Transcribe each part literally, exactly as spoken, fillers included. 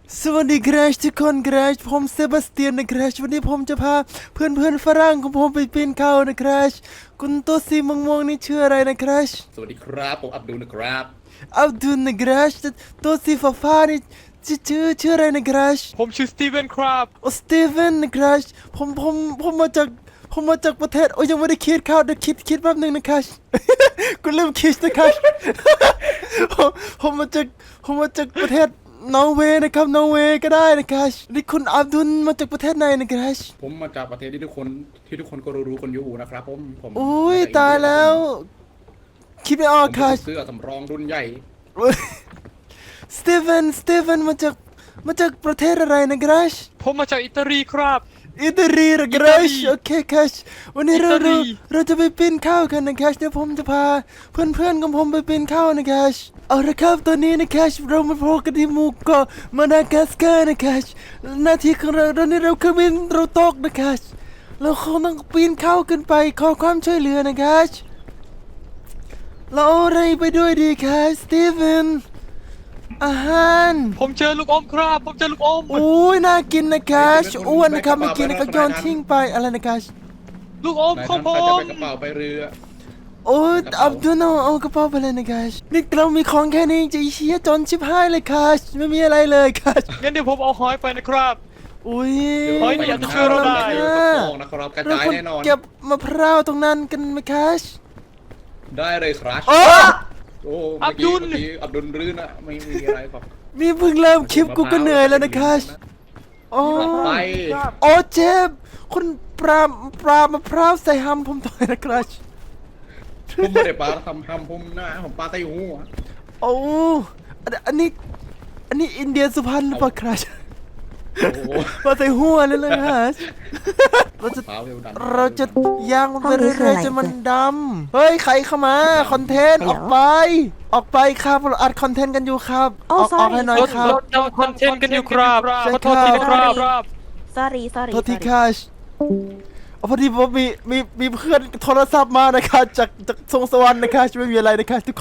สวัสดีครับทุกคนครับผมเซบาสเตียนนะครับวันนี้ผมจะพาเพื่อนเพื่อนฝรั่งของผมไปปีนเขานะครับคุณตัวสีม่วงๆนี่ชื่ออะไรนะครับสวัสดีครับผมอับดุลนะครับอับดุลนะครับตัวสีฟ้าๆนี่ชื่อชื่อชื่ออะไรนะครับผมชื่อสตีเวนครับโอ้สตีเวนนะครับผมผมผมมาจากผมมาจากประเทศโอ้ยังไม่ได้คิดเข้าเดี๋ยวคิดคิดแป๊บหนึงนะครับ กูลืมคิดนะครับ ผมผมมาจากผมมาจากประเทศนอร์เวย์นะครับนอร์เวย์ก็ได้นะครับนี่คุณอับดุลมาจากประเทศไหนนะครับผมมาจากประเทศที่ทุกคนที่ทุกคนก็รู้ๆกันอยู่นะครับผมผมอุ้ยมจกตายอินเดีแล้วคิดไม่ออกผมค่ะเป็นเสื้อสำรองรุ่นใหญ่สตีเวนสตีเวนมาจากมาจากประเทศอะไรนะครับผมมาจากอิตาลีครับอิตาลีนะครัอิตาลีบโอเคครับวันนี้เราอิตาลีเราเราจะไปปีนเขากันนะครับเดี๋ยวผมจะพาเพื่อนๆของผมไปปีนเขานะครับเอาละครับตอนนี้นะครับเรามาพบกันที่หมู่เกาะมาดากัสการ์นะครับหน้าที่ของเราตอนนี้เราเครื่องบินเราตกนะครับเราคงต้องปีนเขาขึ้นไปขอความช่วยเหลือนะครับเราเอาอะไรไปด้วยดีครับสตีเวนอาหารผมเจอลูกอมครับ ผมเจอลูกอมโอ้ยน่ากินนะครับอ้วนนะครับไม่กินนะครับโยนทิ้งไปอะไรนะครับลูกอมนายของท่านผก็จะมไปกระเป๋าไปเรือโอ้ยอับดุลเอาเอากระเป๋าไปเลยนะครับนี่เรามีของแค่นี้จะเชี่ยจนชิบหายเลยครับไม่มีอะไรเลยครับงั้นเดี๋ยวผมเอาหอยไปนะครับอุ้ยเฮ้ยนี่อาจจะช่วยเราได้เดี๋ยวกระโปรงนะครับกระเราจายควรแน่นอนเก็บมะพร้าวตรงนั้นกันไหมครับได้เลยครับโอ้โอ้อัเมื่อบดุกี้ลเมื่อกี้อับดุลรื่นอะไม่มีอะไรครับมีเพิ่งเริ่มคลิปกูก็เหนื่อยแล้วนะครับโอ้ไปโอ้เจ็บคุณปลาปลามะพร้าวใส่ฮัมผมต่อยนะครับผมไม่ได้ปลาทำทำผมหน้าผมปลาไต้หูอะโอ้อันอันนี้อันนี้อินเดียสุพรรณหรือเปล่าครับโอ้โหมาใส่หัวเลยเลยฮะเราจะเท้าเร็วดันเราจะย่างมันไปเรื่อยๆจนมันดำเฮ้ยใครเข้ามาคอนเทนต์ออกไป ออกไปครับเราอัดคอนเทนต์กันอยู่ครับอ Oh, อกออก sorry ให้หน่อยเราครับเราทำคอนเทนต์กันอยู่ครับใช่ขอโทษทีนะคครัรับ บ sorry sorry โทษที sorry คัชพอดีผมมีมีมีเพื่อนโทรศัพท์มานะครับจากจากทรงสวรรค์นะครับไม่มีอะไรนะครับทุกคน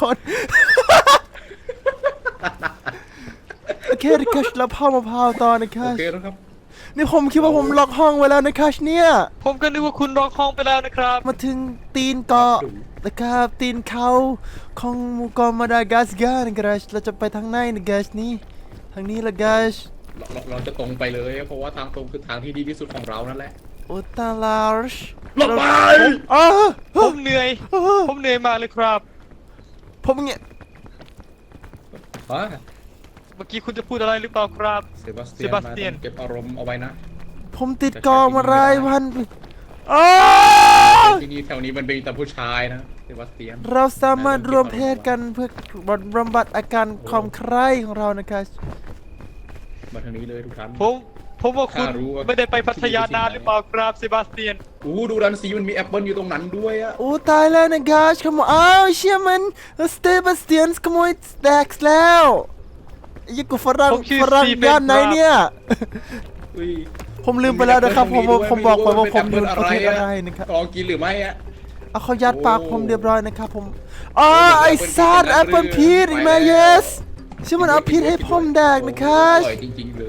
โอเคนะครับเราพาวมะพร้าวต่อนะคโอรับเคนะครับนี่ผมคิดว่าผมล็อกห้องไว้แล้วนะครับเนี่ยผมก็นึกว่าคุณรองห้องไปแล้วนะครับมาถึงตีนเกาะนะครับตีนเขาของหมู่เกาะมาดากัสการ์นะครับเราจะไปทางไหนนะกัสนี่ทางนี้ละกัสเราเราเราจะตรงไปเลย เพราะว่าทางตรงคือทางที่ดีที่สุดของเรานั่นแหละโอตาลาร์ชลงไปอ๋อผมเหนื่อย ผมเหนื่อยมากเลยครับผมเงี้ยฮะเมื่อกี้คุณจะพูดอะไรหรือเปล่าครับเซบาสเตีเซบาสเตียนนเก็บอารมณ์เอาไว้นะผมติดเกาะมารายวันอ๋อที่นี่แถวนี้มันเป็นแต่ผู้ชายนะเซบาสเตียนเราสามารถรวมเพศกันเพื่อบำบัดอาการความใคร่ของเรานะครับมาทางนี้เลยทุกท่านผมผมว่าคุณข้ารู้ว่าไม่ได้ไปพัทยานานหรือเปล่าครับเซบาสเตียนอู้ดูดันซีมันมีแอปเปิลอยู่ตรงนั้นด้วยอะโอ้ตายแล้วนะกัสขโมยอ้าวเชี่ยมันสเตบาสเตียนขโมยแดกซ์แล้วยี่กูฝรั่งผมชื่อฝรั่งสตีเฟนย่านไหนครับเนี่ยอุ้ยผมลืมไปแล้วนะครับผมผมผมบอกไปว่าผมอยู่นประเทศอะอะไรนะครับลองกินหรือไม่อะเอาเขายัดปากโอ้ผมเรียบร้อยนะครับผมอ๋อโอ้ไอ้ Apple ซาด Peach แอปเปิลนะพีชไปอีกไหมแล้ว yes ชื่อมันเอาพีชให้ผมแดกนะครับอร่อยจริงๆเลย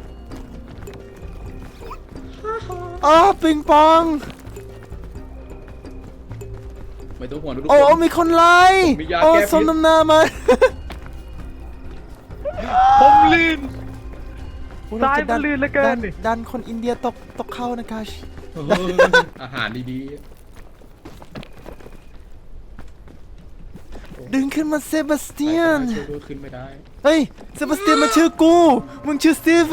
อ๋อปิงปองไม่ต้องห่วงทุกโอ้คนมีคนไล่มียาโอ้แก้พิษสมน้ำหน้ามาผมลื่นโอ้เราจะตายมันลื่นเหลือเกินดัดันคนอินเดียตกตกเข้านะครับเอออาหารดีดึงขึ้นมาเซบาสๆเตียนช่วยด้วยขึ้นไม่ได้เฮ้ยเซบาสเตียนมาชื่อกู มึงชื่อสตีเวน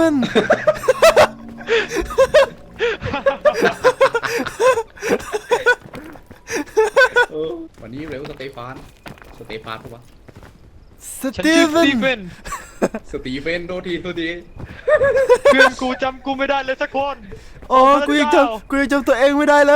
เออวันนี้เร็วสเตฟานสเตฟานปะวะสฉันตีชื่อสเวนตีเฟนสตีเฟนโทษทีโทษทีเพื่อนกูจำกูไม่ได้เลยสักคนโอ้กูยังจำกูยังจำตัวเองไม่ได้เลย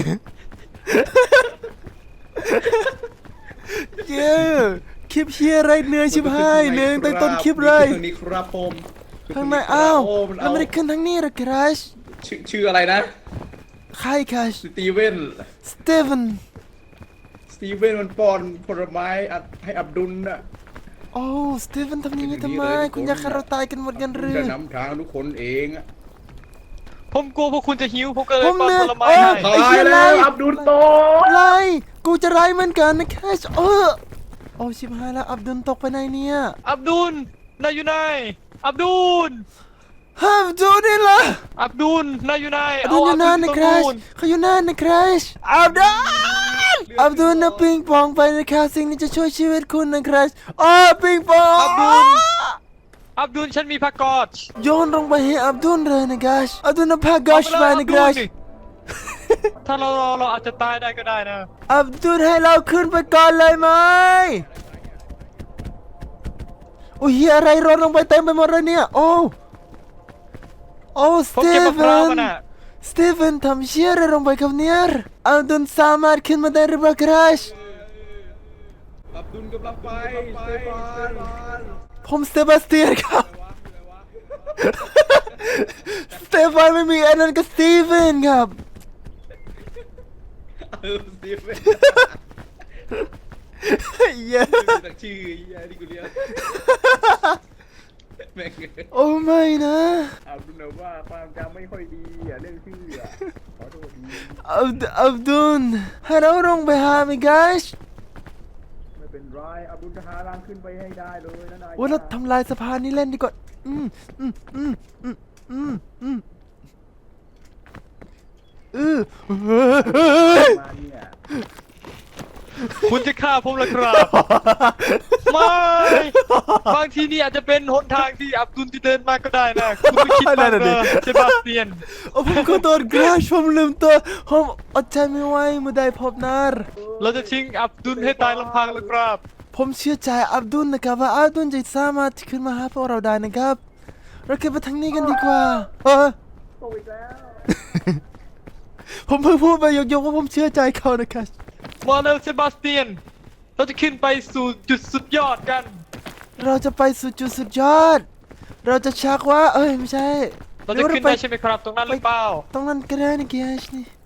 เย้คลิปเฮียอะไรเหนื่อยชิบหายเหนื่อยตั้งแต่ต้นคลิปเลยทางนี้ครับผมข้างในอ้าวโมันแล้วไม่ได้ขึ้นทางนี้หรอครัชชื่อชื่ออะไรนะใครครัชสตีเวนสตีเวนสตีเวนมันป้อนผลไม้อัดให้อับดุลน่ะโอ้สตีเฟนทำอย่างนี้ทำไมคุณอยากให้เราตายกันหมดกันหรือจะนำทางทุกคนเองอะผมกลัวพวกคุณจะหิวผมก็เลยผมป้อนเนี่ยผลไม้เออให้ไอ้เหี้ยไรอับดุลโตไรกูจะไรเหมือนกันนะแคชเออโอ้ชิบหายแล้วอับดุลตกไปไหนเนี่ยอับดุลนายอยู่ไหนอับดุลห้ามดูนี่ละอับดุลนายอยู่ไหนอับดุลอยู่นั่นนะแคชเขาอยู่นั่นนะแคชอับดุลอับดุลนะปิงปองไปนะครับสิ่งนี้จะช่วยชีวิตคุณนะแคชอ๋อปิงปองอับดุลอับดุลฉันมีผ้ากอดโยนลงไปให้อับดุลเลยนะแคชอับดุลนะพากอชไปนะแคชถ้าเรารอเราอาจจะตายได้ก็ได้นะอับดุลให้เราขึ้นไปก่อนเลยไหมโอ้ยเหี้ยอะไรรนลงไปเต็มไปหมดเลยเนี่ยโอ้โอ้สผมตีเก็บมะเฟพร้าวน มาน่ะสตีเฟนทำเชี่ยอะไรลงไปครับเนี่ยอับดุลสามารถขึ้นมาได้หรือเปล่าครับอับดุลกำลังไปสเตฟานผมสเตบาสเตียนครับ สเตฟานไม่มีอันนั้นก็สตีเฟนครับเออสตีเฟนเย้ตั้งชื่อไอ้ที่กูเรียกแม่งโอ้ไม่นะอับดุลว่าความจำไม่ค่อยดีอ่ะเรื่องชื่ออ่ะขอโทษดีอับดุลอับดุลให้เราลงไปหาไหมกัชไม่เป็นไรอับดุลจะหาทางขึ้นไปให้ได้เลยนะนายว่าเราทำลายสะพานนี้เล่นดีกว่าอืมอืมอืมอืมอืมอืมเออเฮ้ยมาเนี่ยคุณจะฆ่าผมเหรอครับ ไม่บางทีนี่อาจจะเป็นหนทางที่อับดุลที่เดินมาก็ได้นะคุณไม่คิดบ้างเหรอเซบาสเตียนโอ้ผมขอโทษกราชผมลืมตัวผมอดใจไม่ไหวเมื่อได้พบนารเราจะทิ้งอับดุลให้ตายลำพังแล้วครับผมเชื่อใจอับดุลนะครับว่าอับดุลจะสามารถขึ้นมาหาพวกเราได้นะครับ เราเก็บไปทางนี้กันดีกว่าเออโตอีกแล้วผมเพิ่งพูดไปยกๆว่าผมเชื่อใจเขานะครับมาเร็วเซบาสเตียน เราจะขึ้นไปสู่จุดสุดยอดกันเราจะไปสู่จุดสุดยอด เราจะชักว่า เอ้ยไม่ใช่เราจะขึ้นได้ใช่ไหมครับ ตรงนั้นหรือเปล่าตรงนั้นก็ได้นะเกียชนี่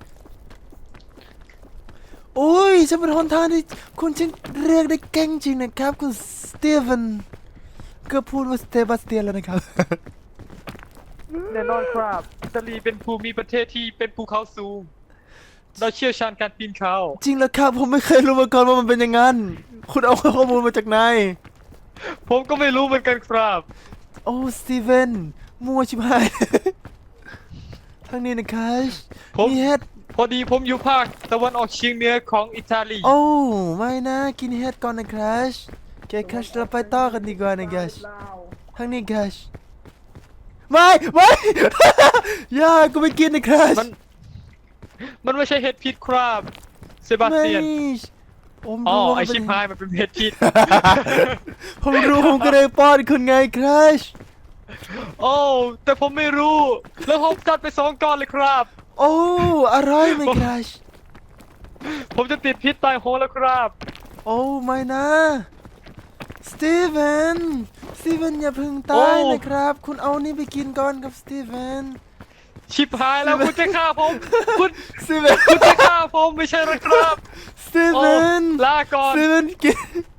โอ้ยฉันเป็นหนทางที่คุณช่างเรียกได้เก่งจริงนะครับคุณสตีเฟนก็พูดว่าสเตบาสเตียนแล้วนะครับแน่นอนครับอิตาลีเป็นภูมิประเทศที่เป็นภูเขาสูง เราเชี่ยวชาญการปีนเขาจริงแล้วครับผมไม่เคยรู้มาก่อนว่ามันเป็นอย่างนั้น คุณเอาข้อมูลมาจากไหนผมก็ไม่รู้เหมือนกันครับโอ้สตีเฟนมัวชิบหาย ทางนี้นะครับผมมีเห็ดพอดีผมอยู่ภาคตะวันออกเฉียงเหนือของอิตาลีโอ้ไม่นะกินเห็ดก่อนนะครับแกคัชเราไปต่อกันดีกว่านะครับทางนี้ครับไม่ไม่ อย่ากูไม่กินนะครับมัน มันไม่ใช่เห็ดพิษครับเซบาสไม่เตียนผมอ๋อรู้ว่าไอมันเป็ชินพายมันเป็นเห็ดพิษผมรู้ผมก็เลยป้อนคุณไงครับโอ้แต่ผมไม่รู้ แล้วผมจัดไปสองก้อนเลยครับโอ้อร่อยไหมครับผมจะติดพิษตายโหงแล้วครับโอ้ไม่นะสตีเฟนสตีเฟนอย่าเพึ่งตายนะครับ คุณเอานี่ไปกินก่อนครับสตีเฟนชิบหายแล้วคุณจะฆ่าผม คุณสตีเฟนคุณจะฆ่าผมไม่ใช่หรอครับสตีโอ้เฟนลาก่อนสตีเฟนกิน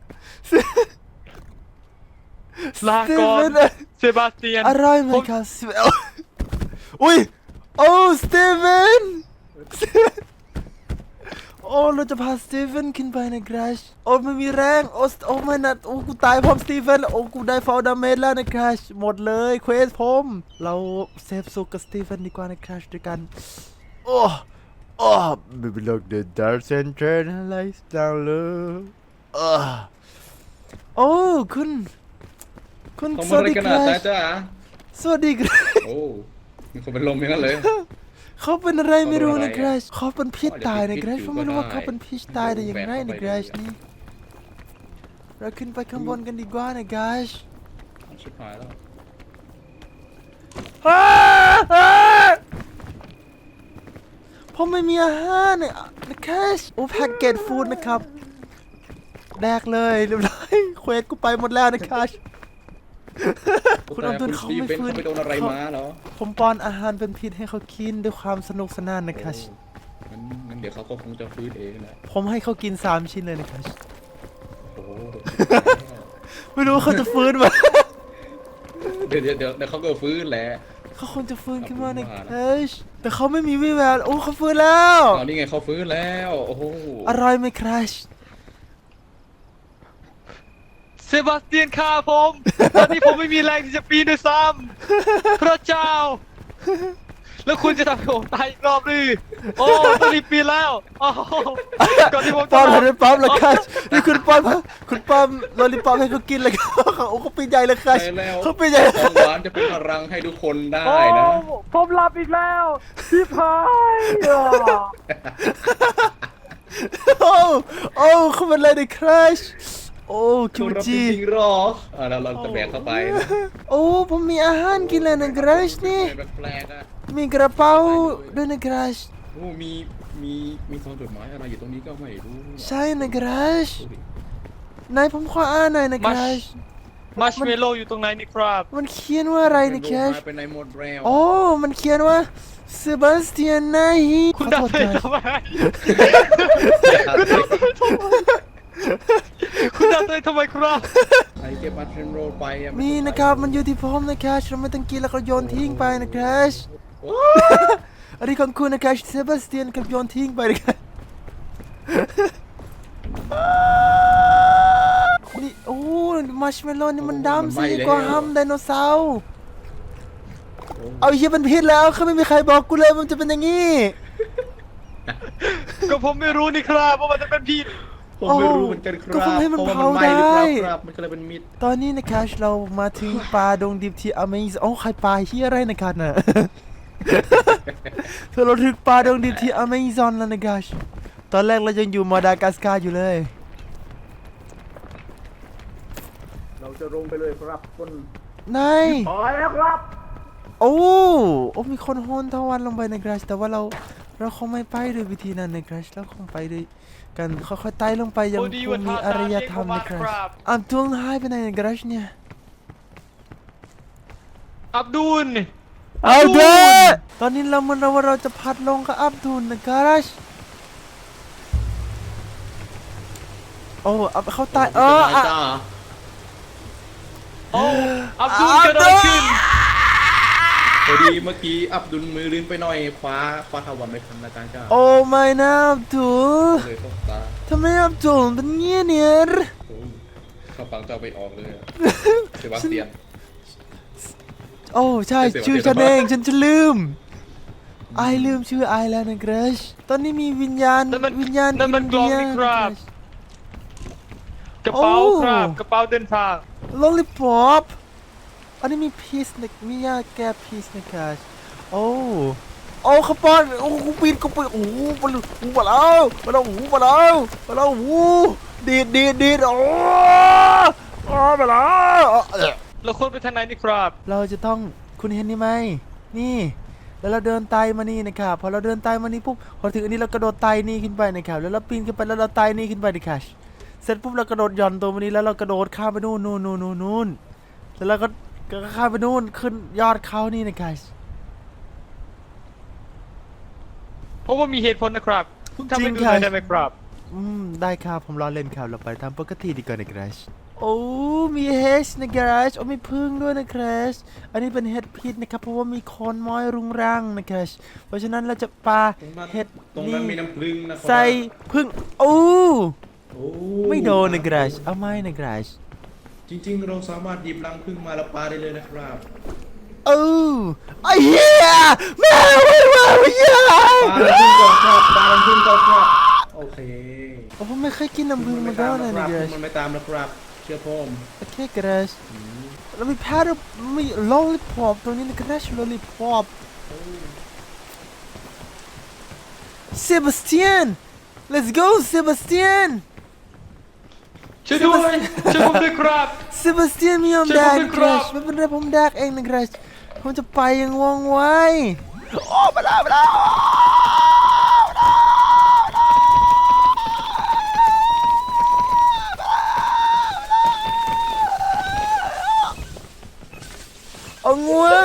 ลาก่อนสตีเฟนเซบาสเตียนอร่อยไหมครับสตีเฟนอุ้ยโอ้สตีเฟนโอ้เราจะพาสตีเฟนขึ้นไปนะครับโอ้ไม่มีแรงโอ้โอ้ไม่นะโอ้กูตายพร้อมสตีเฟนโอ้กูได้ฟาวดาเมจแล้วนะครับหมดเลยเควสผมเราเซฟสุกกับสตีเฟนดีกว่านะครับด้วยกันโอ้โอ้ baby look the dark center lights down low อ้าโอ้คุณ คุณต้องสมาวัสอะไรดีกันคนะรับตาจ้าสวัสดีครับโอ้มีคนเป็นลมอย่างนั้นเลยเขาเป็นอะไรไม่รู้นะเขาคเป็นรัอะไรบเขาเป็นพิษตายนะครัอาจจะบผเป็นมไม่รู้ว่าพิษเขาเป็นพิษตายได้อย่างไรแบนะกคเข้ารับไปนี่เราขึ้นไปข้างบนกันดีกว่านะครัชิบหายแล้วบผมไม่มีอาหารเนี่ยนะครับโอ้แพ็กเกจฟู้ดนะครับแดกเลยเรียบร้อยเควสกูไปหมดแล้วนะครับ คุณอับดุลเขาไม่เป็นฟื้นเขาไปโดนอะไรมาเหรอผมป้อนอาหารเป็นพิษให้เขากินด้วยความสนุกสนานนะครับงั้นงั้นเดี๋ยวเขาก็คงจะฟื้นเองแหละผมให้เขากินสามชิ้นเลยนะครับโอ้โหไม่รู้ว่าเขาจะฟื้นไหมเดี๋ยวเดี๋ยวเดี๋ยวเดี๋ยวเขาก็ฟื้นแหละเขาคงจะฟื้นขึ้นมาในขอบคุณมากนะเฮ้ยแต่เขาไม่มีวี่แววโอ้เขาฟื้นแล้วตอนนี้ไงเขาฟื้นแล้วโอ้โหอร่อยไหมครัชเซบาสเตียนฆ่าผมตอนนี้ผมไม่มีแรงที่จะปีนด้วยซ้ำพระเจ้า แล้วคุณจะทำให้ผมตายอีกรอบหรือโอ้ต้องรีบปีนแล้วโอ้ก่อนที่ผมจะป้อมเลยป้อมเลยครัชนี่คุณป้อมคุณป้อมลอลิปอมให้เขากินเลยครับโอ้เขาปีนใหญ่เลยครัชใช่แล้วเขาปีนใหญ่ของหวานจะเป็นพลังให้ทุกคนได้โอ้นะผมหลับอีกแล้วชิบหายอ่ะโอ้โอ้เขาเป็นอะไรในครัชโอ้คิคุวณรับจจีริงๆหรออ่าเราเราจะแบกเข้าไปนะโอ้ผมมีอาหารกินแล้วนะครัชนี่เป็นแปลกๆอะมีกระเป๋าด้วยนะครัชโอ้มีมีมีซองจดหมายอะไรอยู่ตรงนี้ก็ไม่รู้ใช่นะครัชดูดินายผมขออ่านหน่อยนะครัชมัชเมลโล่อยู่ตรงไหนนี่ครับมันเขียนว่าอะไรนะครัชเป็นในหมดแล้วโอ้มันเขียนว่าเซบาสเตียนไนฮีคุณขอดับโทษไปนะทำไมคุณดับไปทำไมครับไอเก็บมาเทรนโรไปอะมีนะครับมันอยู่ที่ผมนะครัชเราไม่ต้องกินแล้วก็โยนทิ้งไปนะครัชโอ้อันนี้ของคุณนะครัชเซบาสเตียนกับโยนทิ้งไปนะครับนี่โอ้มัชเมลโล่นี่มันดำสิกว่าฮัมไดโนเสาร์เอาเฮียมันพิษแล้วเขาไม่มีใครบอกกูเลยมันจะเป็นอย่างนี้ก็ผมไม่รู้นี่ครับว่ามันจะเป็นพี่ผมไม่รู้เหมือนกันครับก็คงให้มันพระว่เผาไหม้หรือเปล่าได้ครับมันก็เลยเป็นมิดตอนนี้นะครับเรามาถึงป่าดงดิบที่อเมซอนโอ้ใครป่าเฮียอะไรนะครับน่ะ เธอเราถึงป่าดงดิบที่อเมซอนแล้วนะครับตอนแรกเรายังอยู่มาดากัสการ์อยู่เลยเราจะลงไปเลยครับคุณนายพอแล้วครับโอ้โอ้มีคนโหนทวันลงไปนะครับแต่ว่าเราเราคงไม่ไปด้วยวิธีนั้นนะครับเราคงไปด้วยกันค่อยๆไต่ลงไปยังโอ้คดีงว่ามีทาอารยทางธรรมเรียกนะคผมรับมาครับอับดุลหายไปไหนนะครับเนี่ยอับดุลอับดุลตอนนี้เรามันเราว่าเราจะพัดลงกับอับดุลนะครับโอ้อับเขาตายเอออะจ้าโอ้อับดุลเกิดอะไรขึ้นพอดีเมื่อกี้อับดุลมือลื่นไปหน่อยคว้าคว้าทวันไม่ทันนะจ๊ะจ้าโอ้ไม่นะอับดุลเลยตกตาทำไมอับดุลเป็นเงี้ยเนี่ยโอ้ยเข้าปังเจ้าไปออกเลยอะเซบาสเตียนโอ้ใช่เสียงชื่อเสีฉัยงนเองฉันจะลืมไอลืมชื่อไอแล้วนะเกรชตอนนี้มีวิญญาณนั่นมันวิญญาณนั่นมันกล่องนี่ครับ กระเป๋าครับกระเป๋าเดินทางลอลิปอปอันนี้มีพีซนะมียาแก้พีซนะเกรชโอ้โอ้ขบวนโอ้กูปีนกูปีนโอ้มาแล้วมาแล้วมาแล้วมาแล้วมาแล้วโอ้ดีดดีดดีดโอ้โอ้มาแล้วเอ่อเราควรไปทางไหนนี่ครับเราจะต้องคุณเห็นนี่ไหมนี่ แล้วเราเดินไต่มานี่นะครับพอเราเดินไต่มานี่ปุ๊บพอถึงอันนี้เรากระโดดไต่นี่ขึ้นไปนะครับแล้วเราปีนขึ้นไปแล้วเราไต่นี่ขึ้นไปนะครับเสร็จปุ๊บเรากระโดดหย่อนตัวมานี้แล้วเรากระโดดข้ามไปนู่นนู่นนู่นนู่นนู่นแล้วเราก็ก็ข้ามไปนู่นขึ้นยอดเขานี่นะครับเพราะว่ามีเหตุผลนะครับคุณทำให้จริดูงหน่อยค่ะได้ไหมครับอืมได้ครับผมรอเล่นครับเราไปทำปกติดีกว่านะครับโอ้มีเฮชนะครับโอ้มีพึ่งด้วยนะครับอันนี้เป็นเห็ดพิษนะครับเพราะว่ามีโคนม้อยรุงรังนะครับเพราะฉะนั้นเราจะปาตรงนั้นเห็ดตรงนั้นมีน้ำผึ้งนะครับใส่พึ่งโอ้โอ้ไม่โดนนะครับเอาไม่นะครับจริงๆ เราสามารถหยิบรังผึ้งมาแล้วปาได้เลยนะครับโอ้ไอ้เหี้ยแม่ไม่มาไม่ยาปารังผึ้งก่อนครับปารังผึ้งก่อนครับโอเคโอ้ผมไม่เคยกินน้ำผึ้งมาก่อนเลยนะคผึ้รับงมันไม่ตามนะครับเชื่อผมโอเคครับแล้วมีแพทย์มีลอลลิปอปตรงนี้นะครับลอลลิปอปเซบาสเตียน let's go เซบาสเตียนช่วยด้วยช่วยผมด้วยครับเซบาสเตียนไม่ยอมช่วยแดผมกด้วยนะคครัรับบ ไม่เป็นไรผมแดกเองนะครับผมจะไปอยังว่องไวโอ้มาแล้วมาแล้วเอาง่วง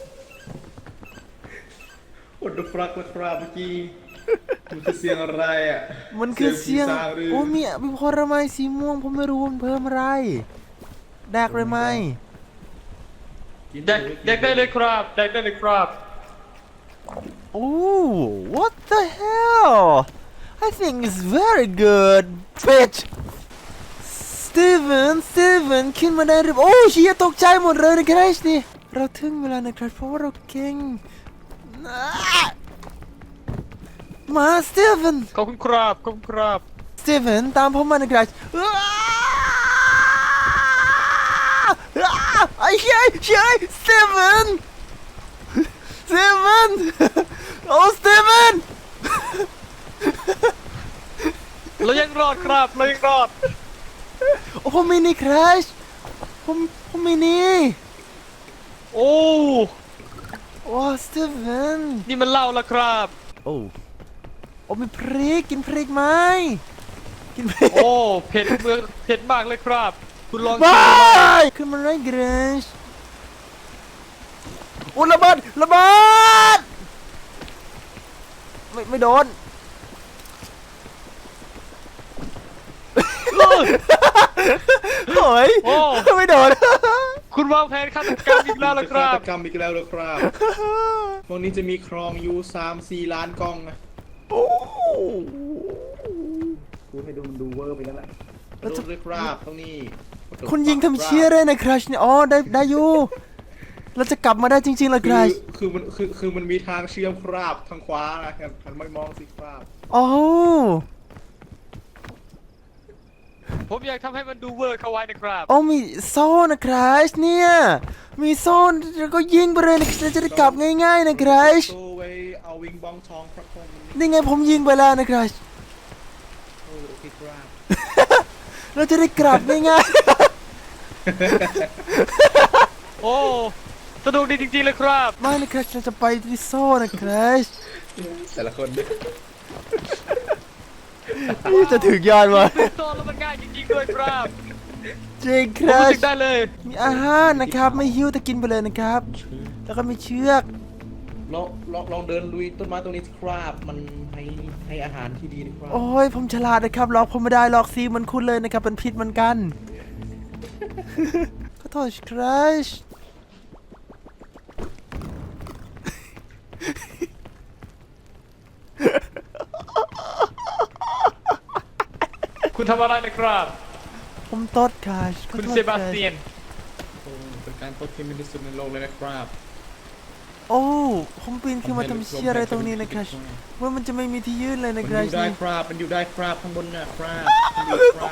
อดฟรักนะครับเมื่อกี้มันคือเสียงอะไรอ่ะมันคือเสียงผีสางหรือโอ้มีมีผลไม้สีม่วงผมไม่รู้มันเพิ่มอะไรแดกเลยไหมกินแดกแดกได้เลยครับแดกได้เลยครับโอ้ what the hell I think it's very good bitch Steven Steven ขึ้นมาได้หรือโอ้เชียตกใจหมดเลยนะครับนี่เราถึงเวลานะครับเพราะว่าเราเก่งมา Steven ขอบคุณครับขอบคุณครับ Steven ตามผมมานะครับไอ้เชี่ยเชี่ย Steven Steven โอ้ Steven เรายังรอดครับเรายังรอดโอ้ผมไม่นี่คราชผมผมไม่นี่โอ้โอ้สตีเวนนี่มันเหล้าละครับโอ้โอ้มีพริกกินพริกไหมกินพริกโอ้เผ็ดเมืองเผ็ดมากเลยครับ คุณลองบชิมดูายขึ้นมาไรเกรชโอ้ระเบิดระเบิดไม่ไม่โดนโอ้ยโอ้ไม่โดนคุณวางแผนฆาตกรรมอีกแล้วละคฆารับตกรรมอีกแล้วเหรอครับพวกนี้จะมีครองอยู่สามสี่ล้านกล้องนะโอ้พูดให้ดูมันดูเวอร์ไปแล้วแหละกระโดดเลยครับตรงนี้คุณยิงทำเชี่ยเลยนะคราชเนี่ยอ๋อได้ได้อยู่เราจะกลับมาได้จริงๆเหรอคคือราชคือมันคือคือมันมีทางเชื่อมครับทางขวานะครับหันไม่มองสิครับโอ้ผมอยากทำให้มันดูเวอร์เข้าไว้นะครับโอ้มีโซ่นะคราชเนี่ยมีโซ่แล้วก็ยิงไปเลยนะเราจะได้กลับง่ายๆนะคราชโตไว้เอาวิงบองทองพระคงนี่ไงผมยิงไปแล้วนะคราชโอ้โอเคครับเราจะได้กลับง่ายโอ้สนุกดีจริงๆเลยครับๆไม่นะคราชเราจะไปที่โซ่นะคราชแต่ละคนนี่จะถึงยอดวะโซนแล้วมันง่ายจริงๆด้วยครับจริงคผมรารู้ชสึกได้เลยมีอาหารนะครับไม่หิวแต่กินไปเลยนะครับ แล้วก็มีเชือกลองลองลองเดินลุยต้นไม้ตรงนี้สิครับมันให้ให้อาหารที่ดีนะครับโอ้ยผมฉลาดนะครับหลอกผมไม่ได้หลอกซีเหมันคุณเลยนะครับเป็นพิษเหมือนกัน ขอโทษคราชคุณทำอะไรนะครับผมตดคราชขอคุณโทษเซบาสเตียนโอ้เป็นการตดที่ไม่ที่สุดในโลกเลยนะครับโอ้ผมปีนขึ้นมาทำเชี่ยอะไรตรงนี้นะคราชว่ามันจะไม่มีที่ยืนเลยนะมันคอราชยู่ได้นี่ครับมันอยู่ได้ครับข้างบนนะครับมันอยู่ครับ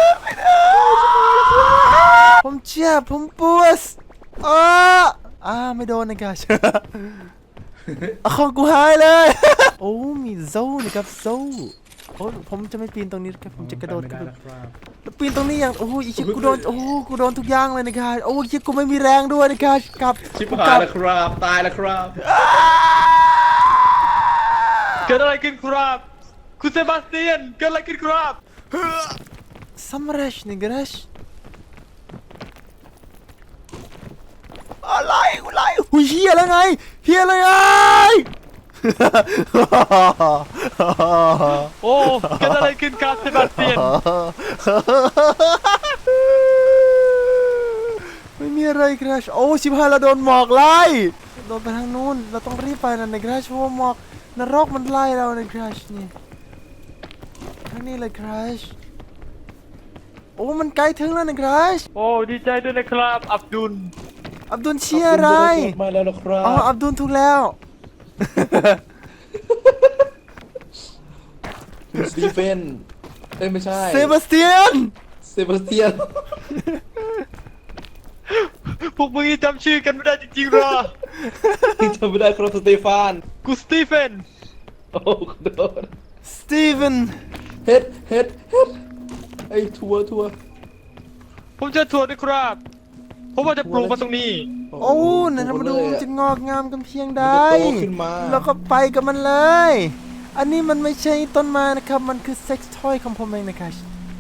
ผมเจ็บผมปวดอ้าอ่าไม่โดนนะคราช เอาของกูหายเลย โอ้มีโซ่นะครับโซ่โอ้ผมจะไม่ปีนตรงนี้ครับผมจะกระโดดไม่กระได้โดดนะครับแล้วปีนตรงนี้อย่างโอ้ยอีชิกูโดนโอ้กูโดนทุกอย่างเลยนะครับโอ้ยกูไม่มีแรงด้วยนะครับกลับชิบกูหาก ยลับแล้วครับตายแล้วครับเกิดอะไรขึ้นครับ คุณเซบาสเตียนเกิดอะไรขึ้นครับสำเร็จนี่กราชอะไรกูไล่หุยเฮียแล้วไงเฮียเลยไงโอ้เกิดอะไรขึ้นครับเซบาสเตียนไม่มีอะไรคราชโอ้ชิบหายเราโดนหมอกไล่โดนไปทางนู้นเราต้องรีบไปนะในคราชเพราะว่าหมอกนรกมันไล่เราในคราชนี่ทางนี้เลยคราชโอ้มันไกลถึงแล้วในคราชโอ้ดีใจด้วยนะครับ อับดุลอับดุลเชียร์อะไรมาแล้วนะครับอ๋ออับดุลถูกแล้วคุณสตีเฟนเอ้ยไม่ใช่เซบาสเตียนเซบาสเตียนพวกมึงยังจำชื่อกันไม่ได้จริงๆหรอจำไม่ได้ครับสเตฟานกูสตีเฟนโอ้ขอโทษสตีเวนเฮ็ดเฮ็ดเฮ็ดไอ้ทัวร์ทัวร์ผมเจะถั่วด้วยครับ ผมว่าจะปลูกมาตรงนี้โอ้นั่นเรามาดูมันจะงอกงามกันเพียงใดมันจะโตขึ้นมาแล้วก็ไปกับมันเลย อันนี้มันไม่ใช่ต้นไม้นะครับ มันคือเซ็กซ์ทอยของผมเองนะครับ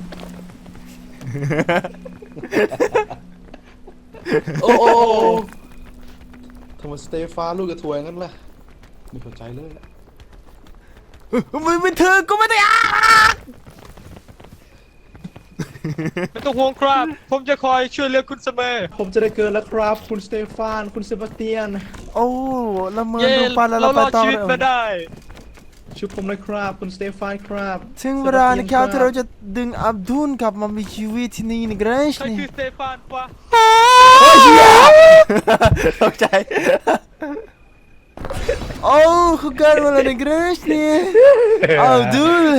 โอ้โอ้ทำไมสเตฟานลูกกับทัวร์งั้นล่ะไม่เข้าใจเลยมึงเป็นเธอก็ไม่ได้อ่ะไม่ต้องห่วงครับ ผมจะคอยช่วยเหลือคุณเสมอผมจะได้เกินแล้วครับคุณสเตฟานคุณเซบาสเตียนโอ้ละเมอเย้ดูปานแล้วเราเรารไปอดต่อชีวิตเลยมาได้ช่วยผมเลยครับคุณสเตฟานครับถึงเวลานะครับที่เราจะดึงอับดุลกลับมามีชีวิตที่นี่นะเกรชใครนี่คือสเตฟานวะโอ้ยเหี้ยตกใจโอ้เขาเกิดมาแล้วนะเกรชนี่อับดุล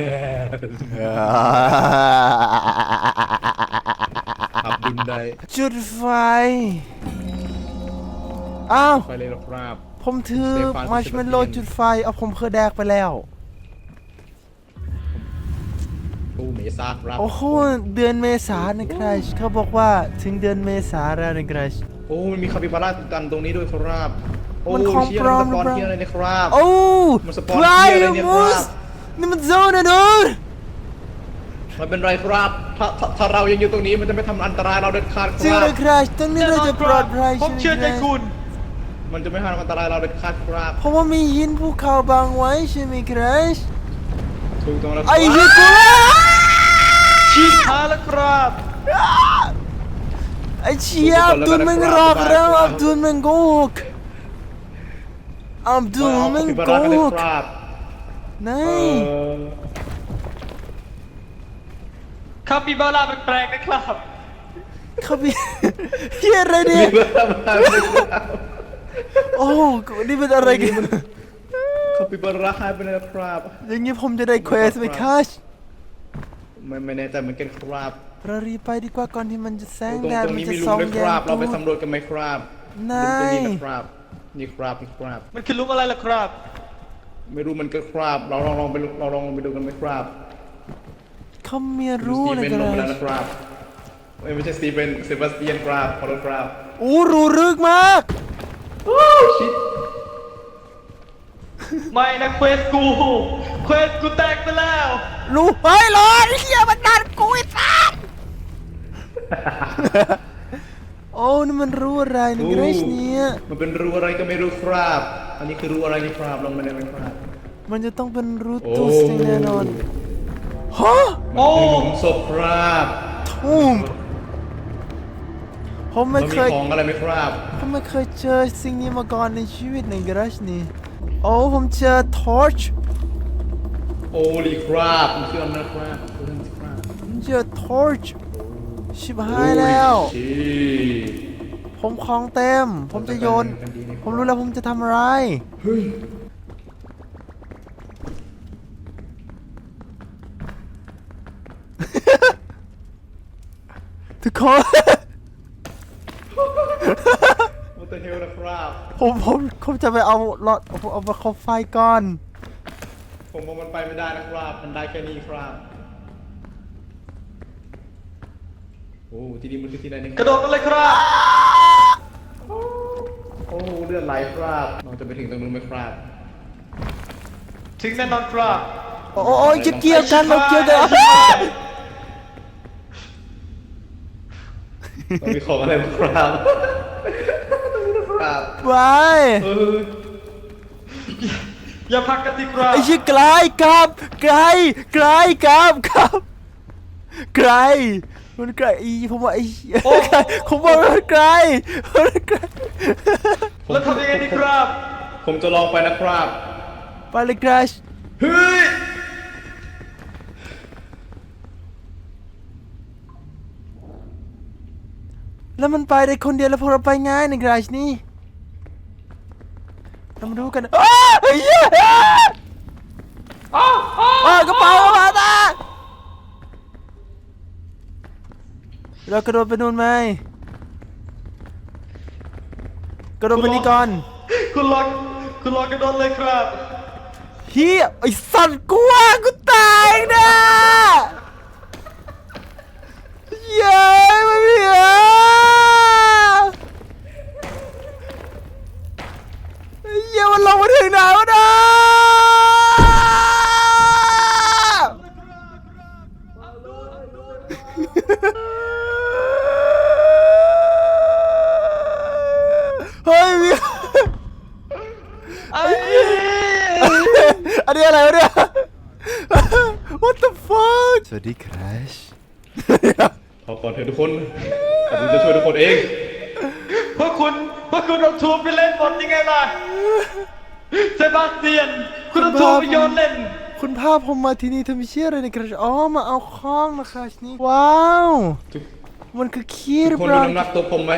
อับดุลได้จุดไฟอ้าวไปเลยครับผมถือสเตฟานมาร์ชเมลโล่จุดไฟเอาผมเคยแดกไปแล้วโอ้เมซาครับโอ้โหเดือนเมษานะครับเขาบอกว่าถึงเดือนเมษาแล้วนะครับโอ้มันมีคาปิบาร่ากันตรงนี้ด้วยครับโอ้มันของเชียปลอมร์สปอนหรือเปล่าเทียอะไรเนะครับโอ้มันสปอนพลายเชียร์อะไรเนี่ยมูคสรับนี่มันโซนนะดูนมันเป็นไรครับถ้าถ้าถ้าเรายังอยู่ตรงนี้มันจะไม่ทำอันตรายเราเด็ดขาดคจริงรัเลบยครับตรงนี้เราจะปลอดภัยผมเชื่อใจไหคุณมันจะไม่ทำอันตรายเราเด็ดขาดครับเพราะว่ามีหินภูเขาบังไว้ใช่ไหมครับถูกต้องแล้วคไอ้รับเหี้ยกูละชิดหาแล้วครับไอ้เชี่ยอับดุลมันรอกแล้วอับดุลมันโกหกอับดุลมันคาปิบาโกร่ากันเลหยกครับไหนเออคาปิบาร่าแปลกๆนะครับเขาพี่เฮียอะไรเนี่ยโอ้กูนี่เป็นอะไรกันคาปิบาร่าหายไปเลยครับอย่างนี้ผมจะได้เควสไหมคัชไม่ไม่แน่ใจเหมือนกันครับเรารีบไปดีกว่าก่อนที่มันจะแสงตรงแดดตรงมันนี้จะมีหลุส่อมงด้วยแยครับงเราไปตูดสำรวจกันไหมครับนายหลุมตรงนี้นะครับนี่ครับนี่ครับมันคือลุมอะไรล่ะครับไม่รู้มันก็ครับ เราลองลองไปเราลองไปดูกันไหมครับเขามีรู้สตีนะเวนคลรังไปแล้วบนะครับเอ้ยไม่ใช่สตีเวนเซบาสเตียนครับขอโทษครับอู้รู้รึกมากชิดไม่นะเควสกู เควสกูแตกไปแล้วรู้เฮ้ยรอไอ้เฮียมันดันกูไอ้สัสโอ้นี่มันรู้อะไรนะเกรชเนี่ยมันเป็นรูอะไรก็ไม่รู้ครับ อันนี้คือรูอะไรนี่ครับลองมาได้ไหมครับมันจะต้องเป็นรูโอ้ตุสแน่นอนฮะโอ้คือหลุมศพครับทุ่มผมไม่มันเคมียของอะไรไหมครับผมไม่เคยเจอสิ่งนี้มาก่อนในชีวิตในกราชนี่โอ้ผมเจอทอร์ชโอ้ลีครับมันคืออะไรนะครับเรื่องครับผมเจอทอร์ชชิบหายแล้วโอ้ยชิผมของเต็ม ผมจะโยน ผมรู้แล้วผมจะทำอะไรเฮ้ยทุกคนมันจะเฮลนะครับผมผมผมจะไปเอาหลอดผมเอาไปเข้าไฟก่อนผมว่ามันไปไม่ได้นะครับ มันได้แค่นี้ครับ โอ้ที่นี่มันคือที่ไหนเนี่ยกระโดดกันเลยครับโอ้เลือดไหลครับเราจะไปถึงตรงนู้นไหมครับถึงแน่นอนครับโอ้โอ้ยจะเกี่ยวกันเราเกี่ยวกันมันมีของอะไรบ้างครับครับไว้เอออย่าพักกันดีครับไอ้ชิไกลกับไกลไกลกับกับไกลมันไกลอีผมว่าไอ้ไกลผมว่ามันไกลมันไกลแล้วทำยังไงดีครับผมจะลองไปนะครับไปเลยกราชเฮ้ยแล้วมันไปได้คนเดียวแล้วพวกเราไปง่ายในกราชนี่เรามาดูกันอ้าวเฮ้ยอ้าวอ้าวกระเป๋ากระเป๋าตาเรากระโดดไปนู่นไหมกระโดดไปนี่ก่อนคุณลองคุณลองกระโดดเลยครับเฮียไอสัตว์กูว่ากูตายนะเย้ยมาเพียเย้ยมันลงมาถึงไหนวะนะเฮ้ยมีไอ้อันนี้อะไรวะเนี่ย What the fuck สวัสดีครัชก่อนเถอะทุกคนอาบุญจะช่วยทุกคนเองพวกคุณพวกคุณเอาทัวร์ไปเล่นบอลยังไงล่ะเซบาสเตียน คุณเอาทัวร์ไปโยนเล่นคุณพาผมมาที่นี่ทำเชี่ยอะไรในกระชอ๋อมาเอาข้องนะครับนี่ว้าวทุกมันคือขี้หทุรืกอคนเปดูล่าน้ำหนักตัวผมไหม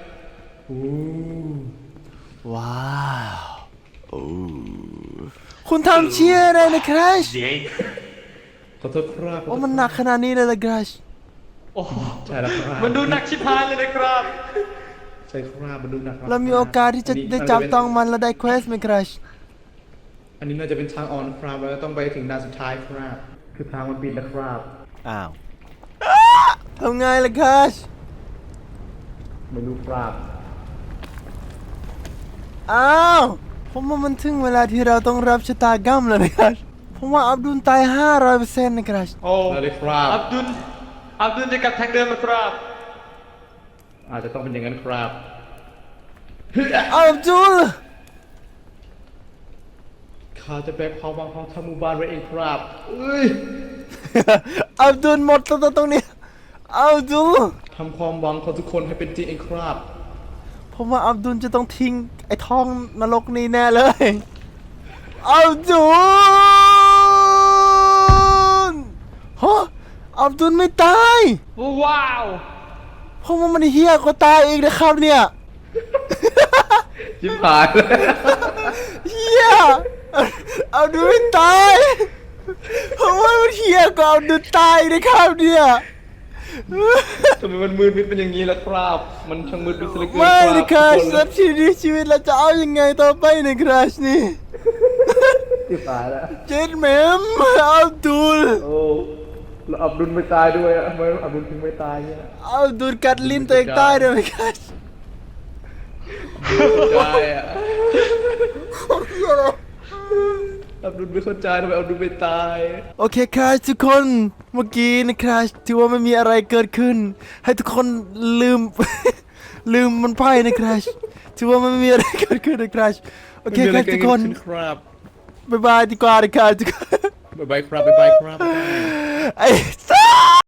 ว้าวโอ้คุณทำเชี่ยอะไรในกระชขอโทษครับโอ้มันหนักขนาดนี้เลยละกระชโอ้โหใช่แล้วครับมันดูหนักชิบหายเลยนะครับใช่ครับมันดูหนักคบเรามีโอกาสที่จะได้จับต้องมันและได้เควสไหมกระชอันนี้น่าจะเป็นทางออนครับแล้วต้องไปถึงด่านสุดท้ายครับคือทางมันปิดนะครับอ้าวทำไงล่ะกระชไม่รู้ครับอ้าวผมว่ามันถึงเวลาที่เราต้องรับชะตากรรมแล้วนะครับผมว่าอับดุลตาย ห้าร้อยเปอร์เซ็นต์ นะครับโอ้ได้เลยครับอับดุลอับดุลจะกลับทางเดิมนะครับอาจจะต้องเป็นอย่างนั้นครับอับดุลข้าจะแบกความหวังของทั้งหมู่บ้านไว้เองครับเอ้ยอับดุลหมดตัวตรงนี้อับดุลทำความหวังของทุกคนให้เป็นจริงเองครับผมว่าอับดุลจะต้องทิ้งไอ้ท้องนรกนี้แน่เลยอับดุลฮะอับดุลไม่ตายว้าวผมว่ามันเฮี้ยกว่าตายอีกนะครับเนี่ยชิบหายเลยเฮี้ยอับดุลไม่ตายผมว่ามันเฮี้ยกว่าอับดุลตายนะครับเนี่ยทำไมมันมืดมิดเป็นอย่างนี้ล่ะครับ มันช่างมืดมิดเหลือเกินไม่นะคครัรับบ สับชีวิตชีวิตเราจะเอายังไงต่อไปในคราชนี่ที่ตายแล้วเจ็ดแมมอับดุลโอ้แล้วอับดุลไม่ตายด้วยอะทำไมอับดุลถึงไม่ตายเนี่ยอับดุลกัดลิ้นตัวเองตายด้วยไหมครับใช่อะอับดุลไม่เข้าใจทำไมอับดุลไม่ตายโอเคครับทุกคนเมื่อกี้นะครับถือว่าไม่มีอะไรเกิดขึ้น ให้ทุกคนลืม ลืมมันไปนะครับถือว่าไม่มีอะไรเกิดขึ้นนะครับโอเคครับทุกคนครับบ๊ายบายดีกว่านะครับทุกคนบ๊ายบายครับบ๊ายบายครับไอ้สัส